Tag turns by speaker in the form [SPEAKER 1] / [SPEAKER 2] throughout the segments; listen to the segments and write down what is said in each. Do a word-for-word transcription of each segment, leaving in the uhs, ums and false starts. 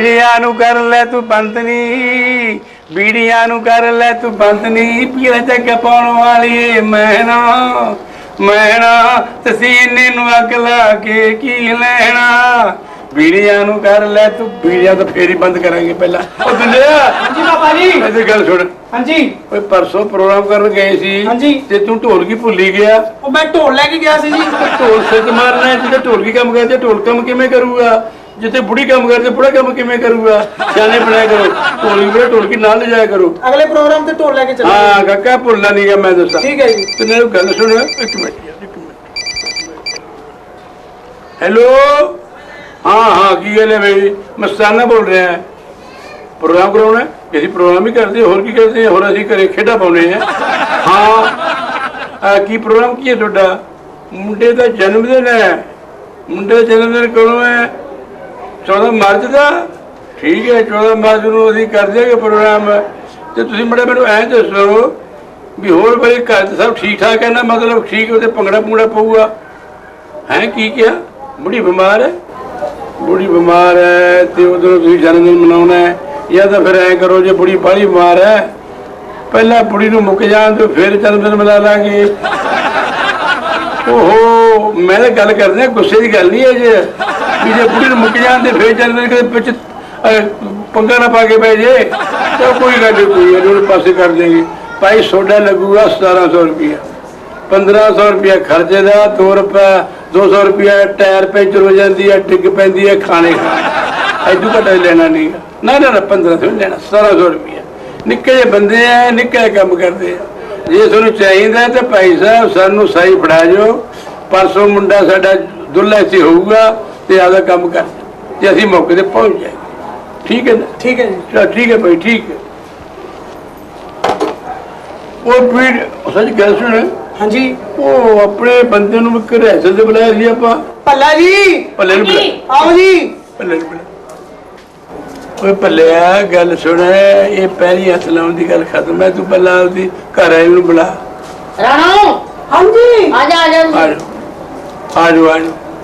[SPEAKER 1] बीड़ियां नू कर ले तू पंतनी बीड़ियां नू कर ले तू पंतनी पीला जग पाउण वाली मैना मैना तसीने नू अग ला के की लेना बीड़ियां नू कर ले तू बीड़ियां तो फेर ही बंद करांगे पहला ओ दुनिया
[SPEAKER 2] हाँ जी पापा जी
[SPEAKER 1] ऐसी गल सुन
[SPEAKER 2] हाँ जी
[SPEAKER 1] ओए परसों प्रोग्राम करन गए सी
[SPEAKER 2] हाँ जी
[SPEAKER 1] ते तू ढोलकी भुल्ली गया
[SPEAKER 2] ओ मैं ढोल लेके गया सी जी
[SPEAKER 1] ढोल सिर मारना है जिथे ढोलकी काम करते ढोल काम किवें करूगा जिथे बुढ़ी काम करते बुढ़ा काम किवें करूगा सियाने बनाया करो ढोलकी बुढ़ा ढोलकी ना ले जाया करो
[SPEAKER 2] अगले प्रोग्राम ते ढोल लेके चलो
[SPEAKER 1] हाँ काका भुलना नहीं गा मैं दसा
[SPEAKER 2] ठीक है जी
[SPEAKER 1] ते मेरी गल सुन एक मिनट यार एक मिनट हेलो हाँ हाँ की गल है भाई मस्ताना बोल रहे हैं प्रोग्राम कराना है ਅਸੀਂ प्रोग्राम ही करते हैं होर की करते हैं होर ਅਸੀਂ ਘਰੇ ਖੇਡਾਂ ਪਾਉਣੇ हैं हाँ की प्रोग्राम की है ਤੁਹਾਡਾ ਮੁੰਡੇ ਦਾ ਜਨਮ ਦਿਨ ਹੈ ਮੁੰਡੇ ਦਾ ਜਨਮ ਦਿਨ ਕਦੋਂ ਹੈ चौदह मार्च का ठीक है चौदह मार्च ਨੂੰ ਅਸੀਂ ਕਰ ਦਿਆਂਗੇ ਪ੍ਰੋਗਰਾਮ ਤੇ ਤੁਸੀਂ ਮੜਾ ਮੈਨੂੰ ਐਂ ਦੱਸੋ ਵੀ ਹੋਰ ਬਈ ਘਰ ਤੇ ਸਭ ਠੀਕ ਠਾਕ ਹੈ ਨਾ ਮਤਲਬ ਠੀਕ ਉਹਦੇ ਭੰਗੜਾ ਪੂੜਾ ਪਊਗਾ ਹੈ ਕੀ ਕਿਹਾ ਬੁੜੀ ਬਿਮਾਰ ਹੈ ਬੁੜੀ ਬਿਮਾਰ ਹੈ ਤੇ ਉਦੋਂ ਤੁਸੀਂ ਜਨਮ ਦਿਨ ਮਨਾਉਣਾ ਹੈ ਜਾਂ ਤਾਂ ਫਿਰ ਐਂ ਕਰੋ ਜੇ ਬੁੜੀ ਬਾਹਲੀ ਬਿਮਾਰ ਹੈ ਪਹਿਲਾਂ ਬੁੜੀ ਨੂੰ ਮੁੱਕ ਜਾਣ ਤੇ ਫਿਰ ਜਨਮ ਦਿਨ ਮਨਾ ਲਾਂਗੇ ਓਹੋ ਮੈਂ ਤਾਂ ਗੱਲ ਕਰਦੇ ਗੁੱਸੇ ਦੀ ਗੱਲ ਨਹੀਂ ਹੈ ਜੇ ਵੀ ਜੇ ਬੁੜੀ ਨੂੰ ਮੁੱਕ ਜਾਣ ਤੇ ਫਿਰ ਜਨਮ ਦਿਨ ਦੇ ਵਿੱਚ ਪੰਗਾ ਨਾ ਪਾ ਕੇ ਪੈ ਜੇ ਤਾਂ ਕੋਈ ਗੱਲ ਨਹੀਂ ਕੋਈ ਉਹਨੂੰ ਪਾਸੇ ਕਰ ਦੇਂਗੇ ਭਾਈ ਸੋਡਾ ਲੱਗੂਗਾ ਸਤਾਰਾਂ ਸੌ ਰੁਪਇਆ पंद्रह सौ रुपया खर्चे का दो रुपया दो सौ रुपया टायर पंचर हो जाती है डिग पैंती है खाने इदू घटा लेना नहीं ना ना ना पंद्रह सौ लेना सतारह सौ रुपया निक्के जे बंदे हैं निक्का काम करते हैं जे तुहानू चाहिए तो भाई साहब सानू सही फड़ा जाओ परसों मुंडा साडा दुल्हा इत्थे होऊगा ते आपदा काम कर ते असीं मौके ते पहुंच जाएंगे ठीक है ना
[SPEAKER 2] ठीक है जी
[SPEAKER 1] ठीक है भाई ठीक है और फिर सच गल सुन
[SPEAKER 2] हाँ जी
[SPEAKER 1] ਉਹ ਆਪਣੇ ਬੰਦੇ ਨੂੰ ਘਰੇ ਤੇ ਬੁਲਾਇਆ ਸੀ ਆਪਾਂ
[SPEAKER 2] पल्ला जी
[SPEAKER 1] ਪੱਲੇ ਨੂੰ ਬੁਲਾਇਆ
[SPEAKER 2] आओ जी
[SPEAKER 1] ਪੱਲੇ ਨੂੰ ਬੁਲਾਇਆ ਓਏ ਪੱਲਿਆ ਗੱਲ ਸੁਣ ਇਹ ਪਹਿਲੀ ਹੱਥ ਲਾਉਣ ਦੀ ਗੱਲ ਖਤਮ ਹੈ ਤੂੰ ਪਹਿਲਾਂ ਉਹਦੀ ਘਰ ਆਈ ਨੂੰ ਬੁਲਾ
[SPEAKER 3] राणा
[SPEAKER 2] हाँ जी
[SPEAKER 3] आ जा आ जा
[SPEAKER 1] ਆ ਜਾ ਆ ਜਾ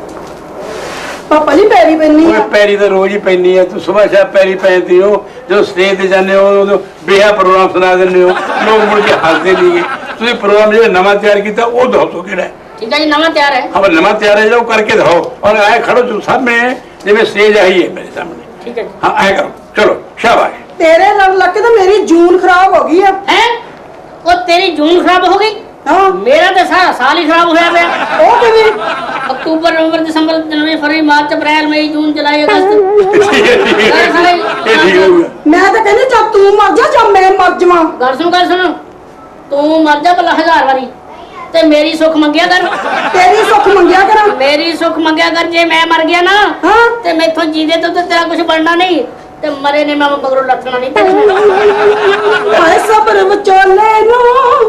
[SPEAKER 2] पापा जी पैरी पैनी
[SPEAKER 1] ਓਏ ਪੈਰੀ ਤਾਂ ਰੋਜ਼ ਹੀ ਪੈਂਦੀ ਆ ਤੂੰ ਸਵੇਰ ਸ਼ਾਮ ਪੈਰੀ ਪੈਂਦੀ ਹੋ ਜਦੋਂ ਸਟੇਜ ਤੇ ਜਾਂਦੇ ਹੋ ਉਦੋਂ ਬੇਹਾ ਪ੍ਰੋਗਰਾਮ ਸੁਣਾ ਦਿੰਦੇ ਹੋ ਲੋਕ ਮੁੜ ਕੇ ਹੱਸਦੇ ਨਹੀਂਗੇ ਤੁਸੀਂ ਪ੍ਰੋਗਰਾਮ ਜਿਹੜਾ ਨਵਾਂ ਤਿਆਰ ਕੀਤਾ ਉਹ ਦੱਸੋ ਕਿਹੜਾ ਹੈ
[SPEAKER 3] ठीक है जी नवा तैयार है
[SPEAKER 1] अब नवा तैयार है जो करके दिखाओ और आए खड़ो तुम सामने जिਵੇਂ स्टेज आई है मेरे सामने
[SPEAKER 3] ठीक है
[SPEAKER 1] हाँ आए करो चलो शाबाश
[SPEAKER 2] तेरे लग लग के तो मेरी जून खराब हो गई है
[SPEAKER 3] हैं वो तेरी जून खराब हो गई
[SPEAKER 2] हाँ
[SPEAKER 3] मेरा तो सारा साल ही खराब होया पिया
[SPEAKER 2] ओ किवें
[SPEAKER 3] अक्टूबर नवंबर दिसंबर जनवरी फरवरी मार्च अप्रैल मई जून जुलाई अगस्त
[SPEAKER 1] ठीक है ठीक है ये ठीक हो गया
[SPEAKER 2] मैं तो कहनी जब तू मर जा जब मैं मर जावां
[SPEAKER 3] गल सुन गल सुन तू मर जा भला हजार वारी ते मेरी सुख मंगिया कर
[SPEAKER 2] तेरी सुख मंगिया करा
[SPEAKER 3] मेरी सुख मंगिया कर जे मैं मर गया ना
[SPEAKER 2] हाँ
[SPEAKER 3] ते मैथों जीदे तो तेरा कुछ बनना नहीं ते मरे ने मैं मगरों लथना नहीं तेरे
[SPEAKER 2] हाय सबर विचोले नु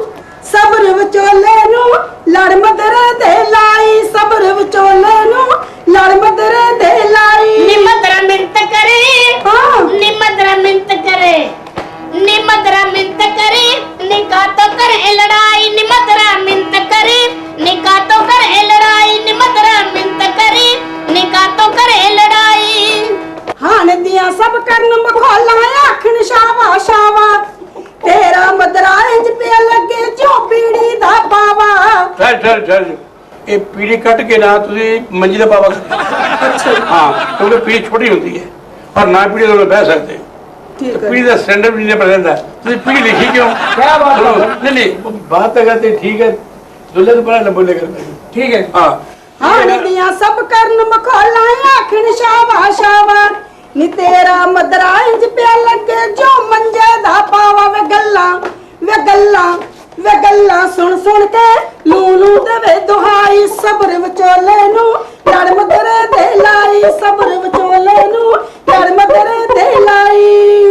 [SPEAKER 2] सबर विचोले नु लड़ मदरे दे लाई सबर विचोले नु लड़ मदरे दे लाई
[SPEAKER 3] निमदरा मिंत करे
[SPEAKER 2] हाँ
[SPEAKER 3] निमदरा मिंत करे निमदरा मिंत करे निका तो कर लड़ाई निमदरा मिंत करे निका तो कर लड़ाई निमदरा मिंत करे निका तो कर लड़ाई
[SPEAKER 2] हान दिया सब करन मखौला आखन शावा शावा तेरा मदरा इंज पे लगे जो पीड़ी दा पावा
[SPEAKER 1] ठहर ठहर ठहर ये पीढ़ी कट के ना तुझे मंजी का पावा अच्छा हाँ क्योंकि पीढ़ी छोटी होती है और ना पीढ़ी तो बह सकते
[SPEAKER 2] ठीक है
[SPEAKER 1] पीढ़ी का स्टैंडर्ड भी नहीं पढ़ता तुझे पीढ़ी लिखी क्यों
[SPEAKER 2] क्या बात है
[SPEAKER 1] नहीं नहीं बात तो करते ठीक है दूल्हे तो बड़ा न बोले करते
[SPEAKER 2] ठीक है
[SPEAKER 1] हाँ
[SPEAKER 2] हान दिया सब करन मखौला आखन शावा शावा नी तेरा मदरा इंज पे लगे जो मंजे दा पावा वे गल्ला वे गल्ला वे गल्ला सुन सुन के लूलू देवे दुहाई सबर विचोले नु लड़ मदरे दे लाई सबर विचोले नु लड़ मदरे दे लाई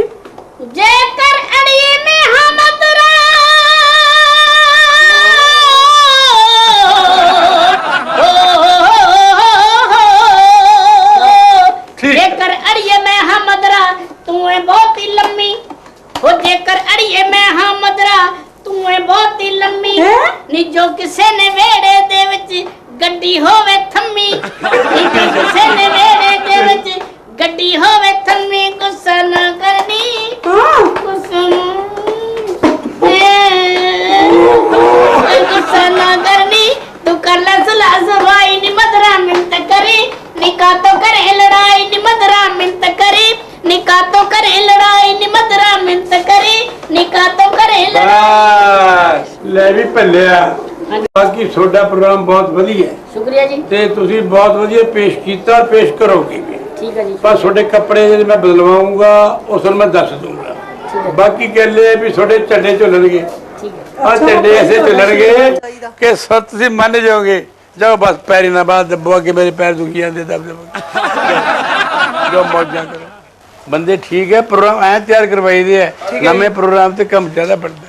[SPEAKER 3] जेकर अड़िए में हमदरा जेकर अड़िए में हमदरा तू है बहुत ही लम्मी हो जेकर अड़िए में हमदरा तू है बहुत ही लम्मी नी जो किसे ने वेड़े दे विच गड्डी होवे थम्मी नी जो किसे ने वेड़े दे विच गड्डी होवे थम्मी निकातो करे लड़ाई नी मदरा मिन्त करी निकातो करे लड़ाई नी मदरा मिन्त करी निकातो करे लड़ाई
[SPEAKER 1] ਬਸ ਲੈ ਵੀ ਭੱਲਿਆ ਬਾਕੀ ਤੁਹਾਡਾ ਪ੍ਰੋਗਰਾਮ ਬਹੁਤ ਵਧੀਆ ਹੈ
[SPEAKER 3] शुक्रिया जी
[SPEAKER 1] ਤੇ ਤੁਸੀਂ ਬਹੁਤ ਵਧੀਆ ਪੇਸ਼ ਕੀਤਾ ਪੇਸ਼ ਕਰੋਗੇ ਵੀ
[SPEAKER 3] ठीक है जी
[SPEAKER 1] ਪਰ ਤੁਹਾਡੇ ਕੱਪੜੇ ਜਿਹੜੇ ਮੈਂ ਬਦਲਵਾਉਂਗਾ ਉਸ ਨੂੰ ਮੈਂ ਦੱਸ ਦੂੰਗਾ ਬਾਕੀ ਕਹਿੰਦੇ ਵੀ ਤੁਹਾਡੇ ਝੰਡੇ ਝੁੱਲਣਗੇ ਆ ਝੰਡੇ ਐਸੇ ਝੁੱਲਣਗੇ ਕਿ ਸਤ ਤੁਸੀਂ ਮੰਨ ਜਾਓਗੇ ਜਾਓ ਬਸ ਪੈਰੀ ਨਾ ਬਾਅਦ ਦੱਬੋ ਅੱਗੇ ਮੇਰੇ ਪੈਰ ਦੁਖੀ ਜਾਂਦੇ ਦਬ ਦਬ ਜੋ ਮੌਜਾਂ ਕਰੋ ਬੰਦੇ ਠੀਕ ਹੈ ਪ੍ਰੋਗਰਾਮ ਐ ਤਿਆਰ ਕਰਵਾਈ ਦੇ ਹੈ ਨਵੇਂ ਪ੍ਰੋਗਰਾਮ ਤੇ ਕੰਮ ਜ਼ਿਆਦਾ ਪੜਦਾ